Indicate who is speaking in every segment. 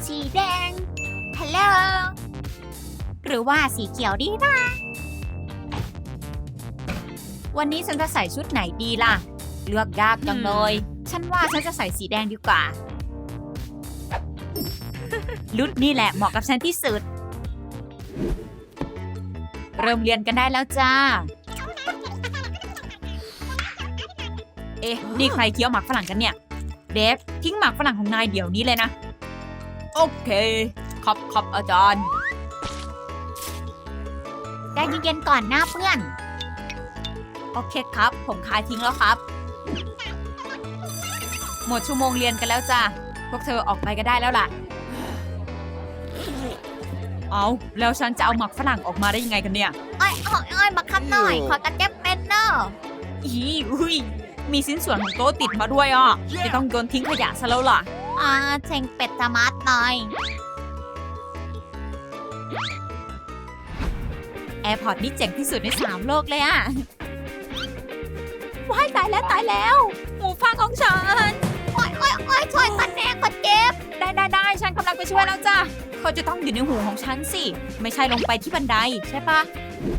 Speaker 1: สีแดงฮัลโหลหรือว่าสีเขียวดีนะ วันนี้ฉันจะใส่ชุดไหนดีล่ะ เลือกยากจังเลย ฉันว่าฉันจะใส่สีแดงดีกว่าลุดนี่แหละเหมาะกับฉันที่สุด เริ่มเรียนกันได้แล้วจ้า เอ๊ะ นี่ใครเคี้ยวหมากฝรั่งกันเนี่ย เดฟทิ้งหมากฝรั่งของนายเดี๋ยวนี้เลยนะ โอเคครับอาจารย์ได้เย็นๆก่อนหน้าเพื่อน โอเคครับ ผมคายทิ้งแล้วครับ หมดชั่วโมงเรียนกันแล้วจ้าพวกเธอออกไปก็ได้แล้วล่ะ เอาแล้วฉันจะเอาหมักฝรั่งออกมาได้ยังไงกันเนี่ยอ้อยมาคับหน่อย ขอตะเก็บเป็นเนอะอุ้ยมีชิ้นส่วนของโต๊ะติดมาด้วยอ่ะจะต้องโยนทิ้งขยะซะแล้วล่ะเชงเป็ดจะมัดหน่อยแอร์พอร์ตนี่เจ๋งที่สุดใน3โลกเลยอ่ะว้ายตายแล้วหูฟังของฉันโอ้ยช่วยกันแน่กดเจ็บได้ฉันกำลังไปช่วยแล้วจ้ะเขาจะต้องอยู่ในหูของฉันสิไม่ใช่ลงไปที่บันไดใช่ปะ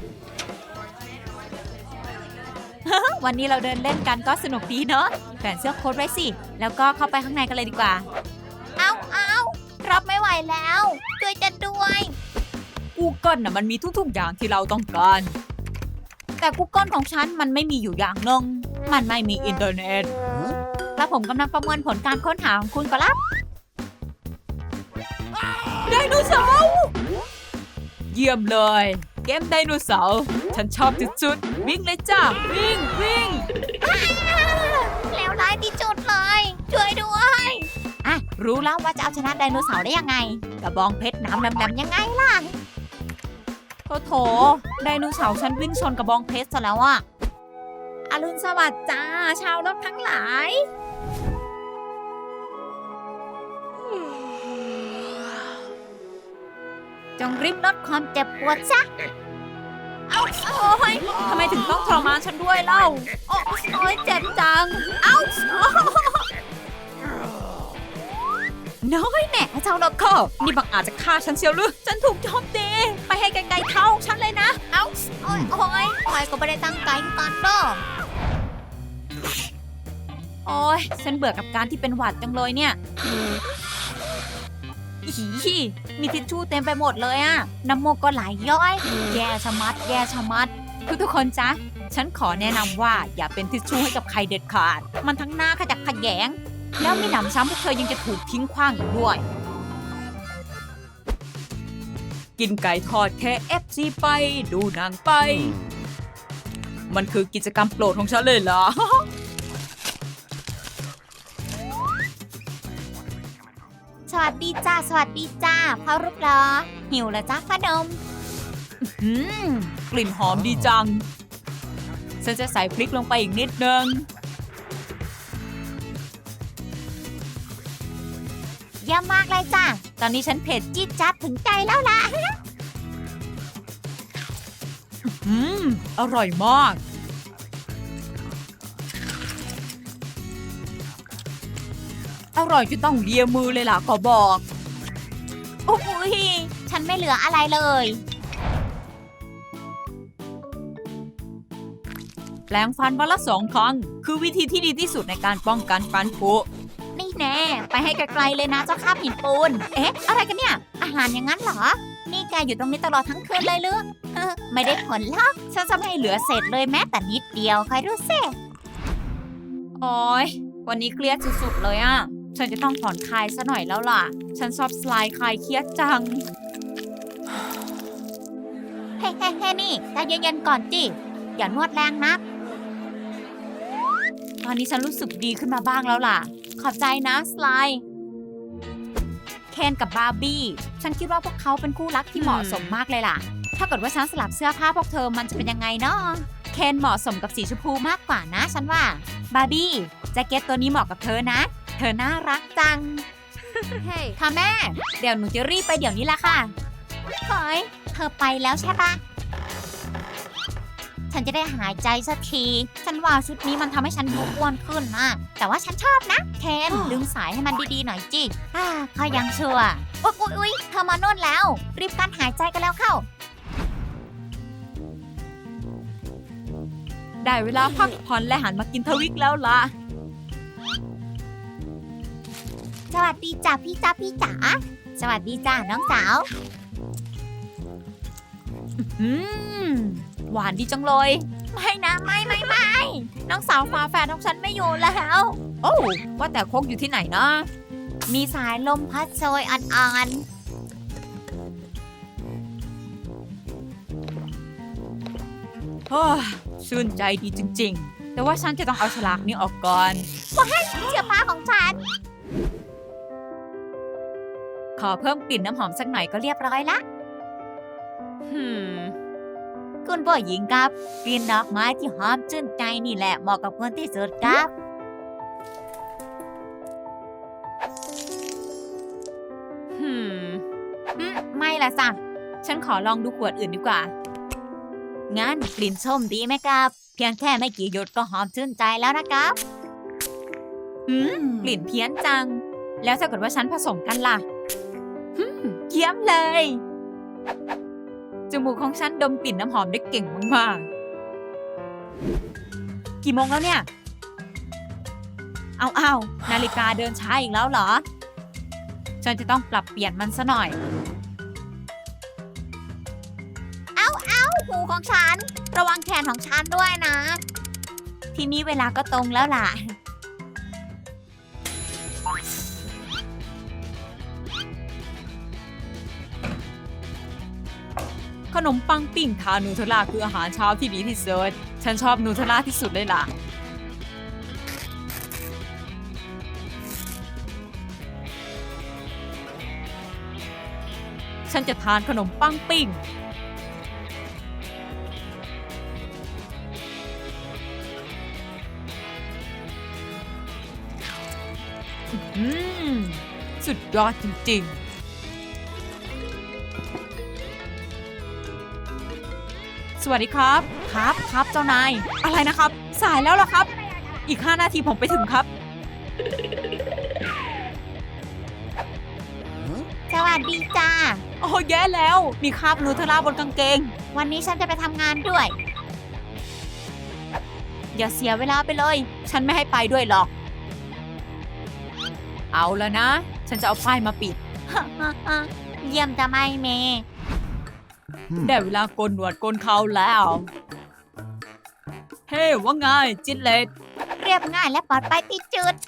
Speaker 1: วันนี้เราเดินเล่นกันก็สนุกดีเนอะแขวนเสื้อโค้ทไว้สิแล้วก็เข้าไปข้างในกันเลยดีกว่าเอารับไม่ไหวแล้วช่วยฉันด้วย Google น่ะมันมีทุกๆอย่างที่เราต้องการแต่ Google ของฉันมันไม่มีอยู่อย่างนึงมันไม่มีอินเทอร์เน็ตแล้วผมกำลังประเมินผลการค้นหาของคุณก็รับไดโนเสาร์เยี่ยมเลยเกมไดโนเสาร์ฉันชอบสุดๆวิ่งเลยจ้าวิ่งแล้วร้ายที่จุดเลยช่วยด้วยรู้แล้วว่าจะเอาชนะไดโนเสาร์ได้ยังไงกระบองเพชรน้ำดำๆยังไงล่ะโถไดโนเสาร์ฉันวิ่งชนกระบองเพชรซะแล้วอ่ะอรุณสวัสดิ์จ้าชาวโลกทั้งหลายจงริบลดความเจ็บปวดซะโอ้ยทำไมถึงต้องทรมานฉันด้วยเล่าโอ้ยเจ็บจังน้อยแน่เจ้าโลโก้นี่บังอาจจะฆ่าฉันเชียวหรือฉันถูกโจมตีไปให้ไกลๆเท้าฉันเลยนะโอ้ยก็ไม่ได้ตั้งใจกันเนาะโอ้ยฉันเบื่อกับการที่เป็นหวัดจังเลยเนี่ยมีทิชชู่เต็มไปหมดเลยอะน้ำมูกก็ไหลย้อยแย่ชะมัดทุกคนจ๊ะฉันขอแนะนำว่าอย่าเป็นทิชชู่ให้กับใครเด็ดขาดมันทั้งหน้าขจักขยงแล้วมีหนำซ้ำพวกเธอยังจะถูกทิ้งขว้างอีกด้วยกินไก่ทอด KFC ไปดูหนังไปมันคือกิจกรรมโปรดของฉันเลยเหรอสวัสดีจ้าพ่อรูปหล่อหิวแล้วจ้าขนมกลิ่นหอมดีจังฉันจะใส่พริกลงไปอีกนิดนึงเยี่ยมมากเลยจ้าตอนนี้ฉันเผ็ดจี๊ดจ๊าดถึงใจแล้วล่ะอร่อยมากอร่อยจนต้องเลียมือเลยล่ะขอบอกโอ้ยฉันไม่เหลืออะไรเลยแปรงฟันวันละ2 ครั้งคือวิธีที่ดีที่สุดในการป้องกันฟันผุนี่แน่ไปให้ไกลๆเลยนะเจ้าคาบหินปูนเอ๊ะอะไรกันเนี่ยอาหารอย่างนั้นเหรอนี่แกอยู่ตรงนี้ตลอดทั้งคืนเลยหรือไม่ได้ผลหรอกฉันจะไม่เหลือเศษเลยแม้แต่นิดเดียวใครรู้สิโอ้ยวันนี้เครียดสุดๆเลยอ่ะฉันจะต้องผ่อนคลายซะหน่อยแล้วล่ะฉันชอบสไลด์คลายเครียดจังเฮ้นี่ใจเย็นๆก่อนจิอย่านวดแรงนักตอนนี้ฉันรู้สึกดีขึ้นมาบ้างแล้วล่ะขอบใจนะสไลด์เคนกับบาร์บี้ฉันคิดว่าพวกเขาเป็นคู่รักที่เหมาะสมมากเลยล่ะถ้าเกิดว่าฉันสลับเสื้อผ้าพวกเธอมันจะเป็นยังไงเนาะเคนเหมาะสมกับสีชมพูมากกว่านะฉันว่าบาร์บี้แจ็คเก็ตตัวนี้เหมาะกับเธอนะเธอน่ารักจัง hey. ค่ะแม่เดี๋ยวหนูจะรีบไปเดี๋ยวนี้ละค่ะเฮ้ยเธอไปแล้วใช่ปะฉันจะได้หายใจสักทีฉันว่าชุดนี้มันทำให้ฉันดูอ้วนขึ้นนะแต่ว่าฉันชอบนะเคนดึงสายให้มันดีๆหน่อยจิเขายังชั่วอุ๊ยเธอมาโน่นแล้ว รีบกั้นหายใจกันแล้วเข้า ได้เวลาพักผ่อนและหันมากินทวิกแล้วล่ะ สวัสดีจ้าพี่จ๋าสวัสดีจ้าน้องสาวหวานดีจังเลย ไม่นะไม่น้องสาวฝาแฝดของฉันไม่อยู่แล้วโอ้ว่าแต่โคกอยู่ที่ไหนนะมีสายลมพัดโชยอ่อนๆโอ้ชื่นใจดีจริงๆแต่ว่าฉันจะต้องเอาฉลากนี้ออกก่อนว้ายเสื้อผ้าของฉันขอเพิ่มกลิ่นน้ำหอมสักหน่อยก็เรียบร้อยละคุณผู้หญิงครับกลิ่นดอกไม้ที่หอมชื่นใจนี่แหละเหมาะกับคนที่สุดครับไม่ละจ้ะฉันขอลองดูขวดอื่นดีกว่างั้นกลิ่นส้มดีไหมครับเพียงแค่ไม่กี่หยดก็หอมชื่นใจแล้วนะครับกลิ่นเพี้ยนจังแล้วถ้าเกิดว่าฉันผสมกันล่ะเยี่ยมเลยจมูกของฉันดมกลิ่นน้ำหอมได้เก่งมากๆกี่โมงแล้วเนี่ยเอานาฬิกาเดินช้าอีกแล้วเหรอฉันจะต้องปรับเปลี่ยนมันซะหน่อยหูของฉันระวังแขนของฉันด้วยนะทีนี้เวลาก็ตรงแล้วล่ะขนมปังปิ้งทานูเทลล่าคืออาหารเช้าที่ดีที่สุดฉันชอบนูเทลล่าที่สุดเลยล่ะฉันจะทานขนมปังปิ้งสุดยอดจริงๆสวัสดีครับครับเจ้านายอะไรนะครับสายแล้วเหรอครับอีก5 นาทีผมไปถึงครับสวัสดีจ้าโอ้แย่แล้วมีคราบนูเทลล่าบนกางเกงวันนี้ฉันจะไปทำงานด้วยอย่าเสียเวลาไปเลยฉันไม่ให้ไปด้วยหรอกเอาแล้วนะฉันจะเอาป้ายมาปิด เยี่ยมจะไม่เมได้เวลาโกนหนวดโกนเขาแล้วเฮ้ว่าไงจินเลตเรียบง่ายและปลอดภัยที่จุด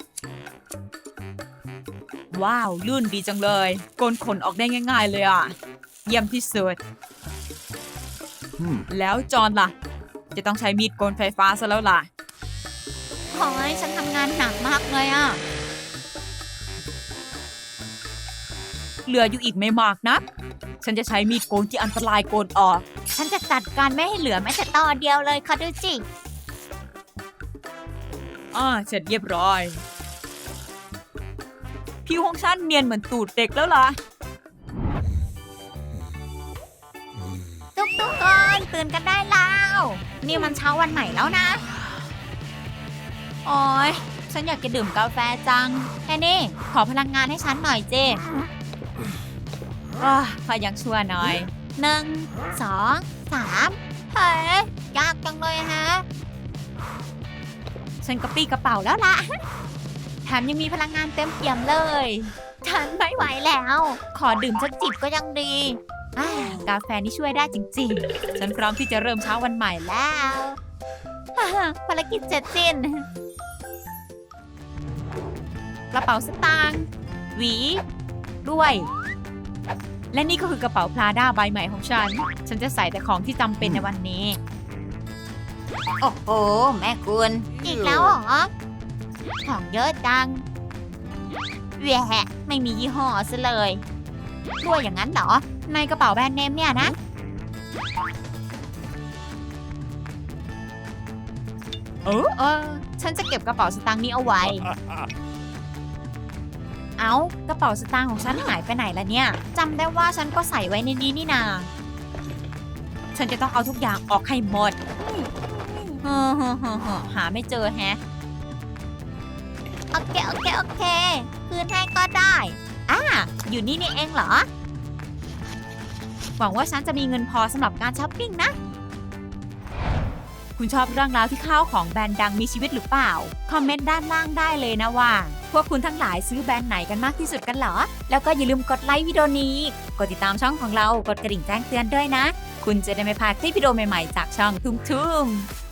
Speaker 1: ว้าวลื่นดีจังเลยโกนขนออกได้ง่ายๆเลยอ่ะเยี่ยมที่สุดแล้วจอนล่ะจะต้องใช้มีดโกนไฟฟ้าซะแล้วล่ะขอให้ฉันทำงานหนักมากเลยอ่ะเหลืออยู่อีกไม่มากนะฉันจะใช้มีดโกนที่อันตรายโกนออกฉันจะจัดการไม่ให้เหลือแม้แต่ตอนเดียวเลยค่ะดูจิเสร็จเรียบร้อยผิวของฉันเนียนเหมือนตูดเด็กแล้วล่ะทุกคนตื่นกันได้แล้วนี่มันเช้าวันใหม่แล้วนะโอ๊ยฉันอยากจะดื่มกาแฟจังแค่นี้ขอพลังงานให้ฉันหน่อยเจ้พอยังชั่วหน่อย1 2 3เฮ้ยยากจังเลยฮะฉันกระปี้กระเป๋าแล้วล่ะแถมยังมีพลังงานเต็มเปี่ยมเลยฉันไม่ไหวแล้วขอดื่มสักจิบก็ยังดีกาแฟนี่ช่วยได้จริงๆฉันพร้อมที่จะเริ่มเช้าวันใหม่แล้วภารกิจเสร็จสิ้นกระเป๋าสตางค์หวีด้วยและนี่ก็คือกระเป๋าพลาด้าใบใหม่ของฉันจะใส่แต่ของที่จำเป็นในวันนี้โอ้โหแม่คุณอีกแล้วเหรอของเยอะจังแหวะไม่มียี่ห้อซะเลยด้วยอย่างนั้นเหรอในกระเป๋าแบรนด์เนมเนี่ยนะฉันจะเก็บกระเป๋าสตางค์นี้เอาไว้กระเป๋าสตางค์ของฉันหายไปไหนล่ะเนี่ยจำได้ว่าฉันก็ใส่ไว้ในนี้นี่นาฉันจะต้องเอาทุกอย่างออกให้หมดหาไม่เจอแฮะโอเคคืนให้ก็ได้อยู่นี่เองเหรอ หวังว่าฉันจะมีเงินพอสำหรับการช้อปปิ้งนะ คุณชอบเรื่องราวที่ข้าวของแบรนด์ดังมีชีวิตหรือเปล่า คอมเมนต์ด้านล่างได้เลยนะว่า พวกคุณทั้งหลายซื้อแบรนด์ไหนกันมากที่สุดกันเหรอ แล้วก็อย่าลืมกดไลค์วิดีโอนี้ กดติดตามช่องของเรา กดกระดิ่งแจ้งเตือนด้วยนะ คุณจะได้ไม่พลาดคลิปวิดีโอใหม่ๆจากช่องทุ่ม